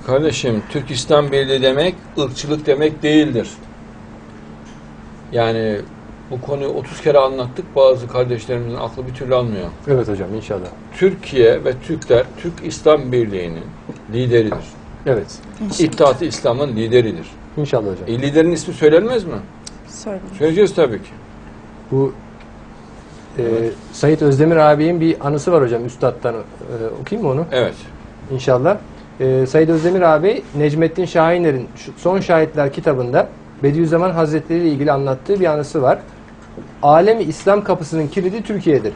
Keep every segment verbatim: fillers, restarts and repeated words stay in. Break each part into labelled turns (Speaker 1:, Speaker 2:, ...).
Speaker 1: Kardeşim, Türk İslam Birliği demek ırkçılık demek değildir. Yani bu konuyu otuz kere anlattık, bazı kardeşlerimizin aklı bir türlü almıyor.
Speaker 2: Evet hocam, inşallah.
Speaker 1: Türkiye ve Türkler Türk İslam Birliği'nin lideridir.
Speaker 2: Evet.
Speaker 1: İttihat-ı İslam'ın lideridir.
Speaker 2: İnşallah hocam.
Speaker 1: E, liderin ismi söylenmez mi?
Speaker 3: Söyleyeyim.
Speaker 1: Söyleyeceğiz tabii ki.
Speaker 2: Bu e, Said Özdemir abinin bir anısı var hocam, üstadtan. E, okuyayım mı onu?
Speaker 1: Evet.
Speaker 2: İnşallah. E, Said Özdemir abi, Necmettin Şahiner'in şu- Son Şahitler kitabında Bediüzzaman Hazretleri ile ilgili anlattığı bir anısı var. Alemi İslam kapısının kilidi Türkiye'dir.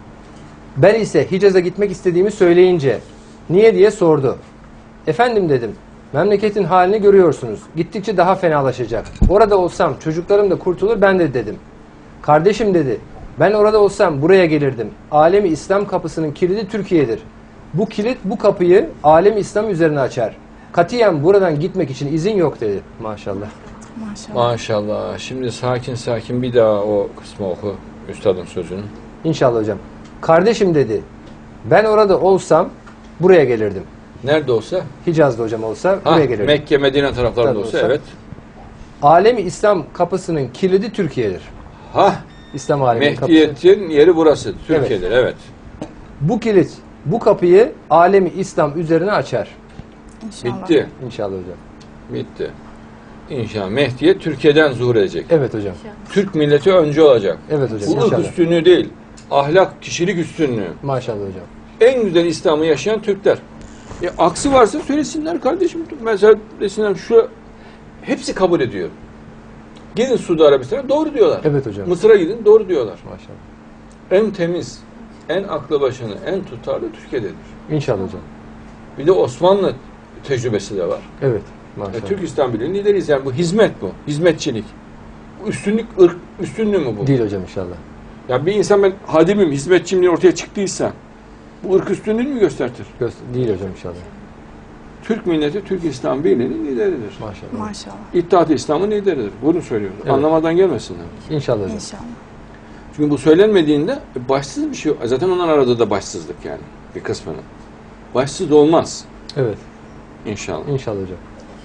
Speaker 2: Ben ise Hicaz'a gitmek istediğimi söyleyince niye diye sordu. Efendim dedim, memleketin halini görüyorsunuz. Gittikçe daha fenalaşacak. Orada olsam çocuklarım da kurtulur ben de dedim. Kardeşim dedi, ben orada olsam buraya gelirdim. Alemi İslam kapısının kilidi Türkiye'dir. Bu kilit bu kapıyı alemi İslam üzerine açar. Katiyen buradan gitmek için izin yok dedi. Maşallah.
Speaker 3: Maşallah.
Speaker 1: Maşallah. Şimdi sakin sakin bir daha o kısmı oku. Üstadın sözünü.
Speaker 2: İnşallah hocam. Kardeşim dedi, ben orada olsam buraya gelirdim.
Speaker 1: Nerede olsa?
Speaker 2: Hicaz'da hocam olsa
Speaker 1: Ha,
Speaker 2: buraya gelirdim.
Speaker 1: Mekke, Medine taraflarında
Speaker 2: Tabii
Speaker 1: olsa,
Speaker 2: olsa.
Speaker 1: evet.
Speaker 2: Alemi İslam kapısının kilidi Türkiye'dir.
Speaker 1: Ha,
Speaker 2: İslam aleminin kapısı.
Speaker 1: Mehdiyet'in yeri burası. Türkiye'dir, evet.
Speaker 2: Bu kilit, bu kapıyı alemi İslam üzerine açar.
Speaker 3: İnşallah.
Speaker 1: Bitti.
Speaker 2: İnşallah hocam.
Speaker 1: Bitti. İnşallah Mehdiyet Türkiye'den zuhur edecek.
Speaker 2: Evet hocam.
Speaker 1: Türk milleti önce olacak.
Speaker 2: Evet hocam.
Speaker 1: Bu ırk
Speaker 2: İnşallah.
Speaker 1: üstünlüğü değil. Ahlak, kişilik üstünlüğü.
Speaker 2: Maşallah hocam.
Speaker 1: En güzel İslam'ı yaşayan Türkler. E, aksi varsa söylesinler kardeşim. Mesela desinler şu, hepsi kabul ediyor. Gidin Suudi Arabistan'a, doğru diyorlar.
Speaker 2: Evet hocam.
Speaker 1: Mısır'a gidin, doğru diyorlar.
Speaker 2: Maşallah.
Speaker 1: En temiz, en aklı başını, en tutarlı Türkiye'dedir.
Speaker 2: İnşallah hocam.
Speaker 1: Bir de Osmanlı tecrübesi de var.
Speaker 2: Evet.
Speaker 1: E,
Speaker 2: Maşallah.
Speaker 1: Türk İslam Birliği'nin lideriyiz. Yani bu hizmet bu. Hizmetçilik. Bu üstünlük, ırk üstünlüğü mü bu?
Speaker 2: Değil hocam inşallah.
Speaker 1: Ya bir insan ben hadimim, hizmetçiyim diye ortaya çıktıysa bu ırk üstünlüğünü mü göstertir?
Speaker 2: Göster değil hocam inşallah.
Speaker 1: Türk milleti Türk İslam Birliği'nin lideridir.
Speaker 2: Maşallah.
Speaker 3: Maşallah.
Speaker 1: İttihat-ı İslam'ın lideridir. Bunu söylüyoruz.
Speaker 2: Evet.
Speaker 1: Anlamadan gelmesinler.
Speaker 2: İnşallah hocam.
Speaker 3: İnşallah.
Speaker 1: Çünkü bu söylenmediğinde başsız bir şey yok. Zaten onlar aradığı da başsızlık yani bir kısmının. Başsız olmaz
Speaker 2: Evet.
Speaker 1: inşallah.
Speaker 2: İnşallah hocam.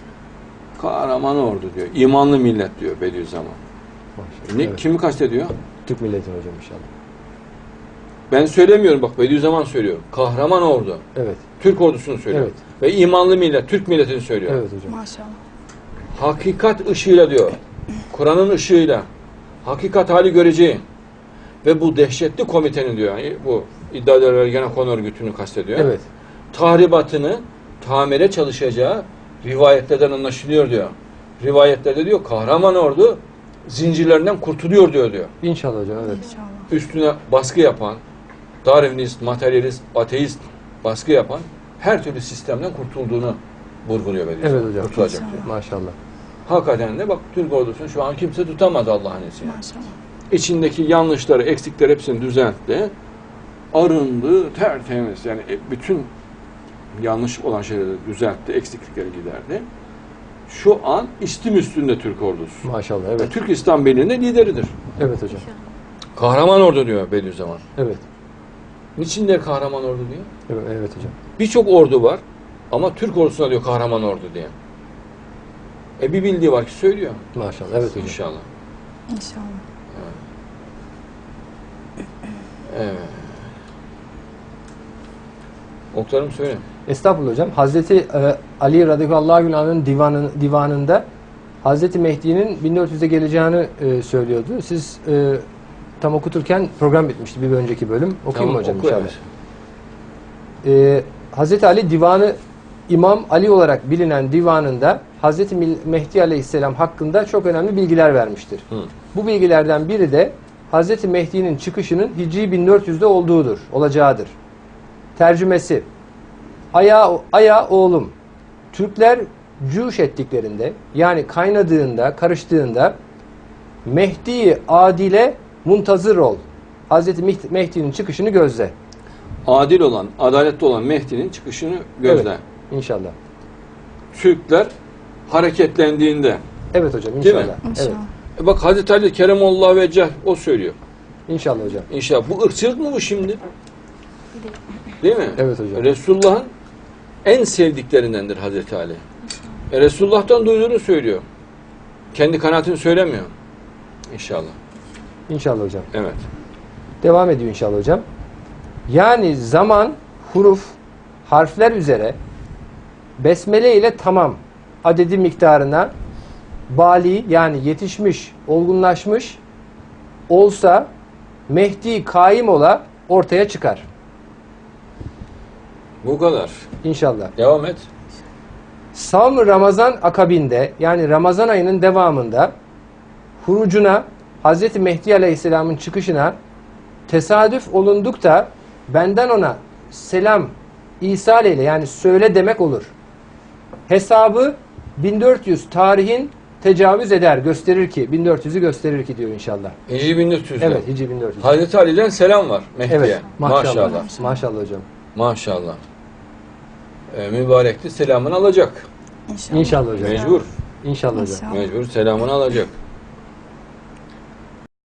Speaker 1: Kahraman ordu diyor. İmanlı millet diyor Bediüzzaman.
Speaker 2: Maşallah.
Speaker 1: Ne,
Speaker 2: Evet.
Speaker 1: kimi kastediyor?
Speaker 2: Türk milleti hocam inşallah.
Speaker 1: Ben söylemiyorum bak Bediüzzaman söylüyor. Kahraman ordu.
Speaker 2: Evet.
Speaker 1: Türk ordusunu söylüyor.
Speaker 2: Evet.
Speaker 1: Ve imanlı millet, Türk milletini söylüyor.
Speaker 2: Evet hocam.
Speaker 3: Maşallah.
Speaker 1: Hakikat ışığıyla diyor. Kur'an'ın ışığıyla. Hakikat hali göreceğin. Ve bu dehşetli komitenin diyor. Yani bu iddia ederler gene konu örgütünü kastediyor.
Speaker 2: Evet.
Speaker 1: Tahribatını tamire çalışacağı rivayetlerden anlaşılıyor diyor. Rivayetlerde diyor kahraman ordu zincirlerinden kurtuluyor diyor diyor.
Speaker 2: İnşallah hocam evet.
Speaker 3: İnşallah.
Speaker 1: Üstüne baskı yapan, Darwinist, materyalist, ateist baskı yapan her türlü sistemden kurtulduğunu vurguluyor Bediüzzaman.
Speaker 2: Evet hocam.
Speaker 1: Kurtulacak
Speaker 3: İnşallah.
Speaker 1: diyor.
Speaker 2: Maşallah.
Speaker 1: Hakikaten de bak Türk ordusunu şu an kimse tutamaz Allah'ın izniyle.
Speaker 3: Maşallah.
Speaker 1: İçindeki yanlışları, eksikleri hepsini düzeltti. Arındı, tertemiz. Yani bütün yanlış olan şeyleri düzeltti, eksiklikleri giderdi. Şu an istim üstünde Türk ordusu.
Speaker 2: Maşallah evet.
Speaker 1: Türk İslam Birliği'nin lideridir.
Speaker 2: Evet hocam.
Speaker 1: Kahraman ordu diyor Bediüzzaman.
Speaker 2: Evet.
Speaker 1: Niçin der kahraman ordu diyor?
Speaker 2: Evet, evet hocam.
Speaker 1: Birçok ordu var ama Türk ordusuna diyor kahraman ordu diye. E bir bildiği var ki söylüyor.
Speaker 2: Maşallah evet hocam.
Speaker 1: İnşallah.
Speaker 3: İnşallah.
Speaker 1: Evet. Oklarım söyle.
Speaker 2: Estağfurullah hocam. Hazreti e, Ali radıyallahu anh'ın divanın, divanında Hazreti Mehdi'nin bin dört yüzde geleceğini e, söylüyordu. Siz e, tam okuturken program bitmişti bir önceki bölüm. Okuyayım mı hocam
Speaker 1: oku,
Speaker 2: inşallah?
Speaker 1: evet.
Speaker 2: E, Hazreti Ali divanı İmam Ali olarak bilinen divanında Hazreti Mehdi aleyhisselam hakkında çok önemli bilgiler vermiştir.
Speaker 1: Hı.
Speaker 2: Bu bilgilerden biri de Hazreti Mehdi'nin çıkışının Hicri bin dört yüzde olduğudur, olacağıdır. Tercümesi: Aya, aya oğlum, Türkler cüş ettiklerinde, yani kaynadığında, karıştığında Mehdi adile muntazır ol. Hazreti Mehdi'nin çıkışını gözle.
Speaker 1: Adil olan, adaletli olan Mehdi'nin çıkışını gözle.
Speaker 2: Evet, inşallah.
Speaker 1: Türkler hareketlendiğinde.
Speaker 2: Evet hocam
Speaker 1: Değil mi?
Speaker 2: inşallah. Evet.
Speaker 3: İnşallah.
Speaker 1: E bak Hazreti Ali Keremullah Veceh o söylüyor.
Speaker 2: İnşallah hocam.
Speaker 1: İnşallah. Bu ırkçılık mı bu şimdi? Değil mi?
Speaker 2: Evet hocam.
Speaker 1: Resulullah'ın en sevdiklerindendir Hazreti Ali. E, Resulullah'tan duyduğunu söylüyor. Kendi kanaatini söylemiyor. İnşallah.
Speaker 2: İnşallah hocam.
Speaker 1: Evet.
Speaker 2: Devam ediyor inşallah hocam. Yani zaman, huruf, harfler üzere besmele ile tamam adedi miktarına bali yani yetişmiş, olgunlaşmış olsa Mehdi kaim ola ortaya çıkar.
Speaker 1: Bu kadar.
Speaker 2: İnşallah.
Speaker 1: Devam et.
Speaker 2: Savm Ramazan akabinde yani Ramazan ayının devamında hurucuna Hz. Mehdi Aleyhisselam'ın çıkışına tesadüf olundukta benden ona selam İsa ile yani söyle demek olur. Hesabı bin dört yüz tarihin tecavüz eder, gösterir ki bin dört yüzü gösterir ki diyor inşallah.
Speaker 1: Hicri bin dört yüz'de.
Speaker 2: Evet, Hicri bin dört yüz.
Speaker 1: Hazreti Ali'den selam var Mehdi'ye.
Speaker 2: Evet, maşallah.
Speaker 1: Maşallah.
Speaker 2: Maşallah hocam.
Speaker 1: Maşallah. Ee, mübarek de selamını alacak.
Speaker 3: İnşallah.
Speaker 2: İnşallah hocam.
Speaker 1: Mecbur.
Speaker 2: İnşallah hocam.
Speaker 3: İnşallah.
Speaker 1: Mecbur selamını alacak.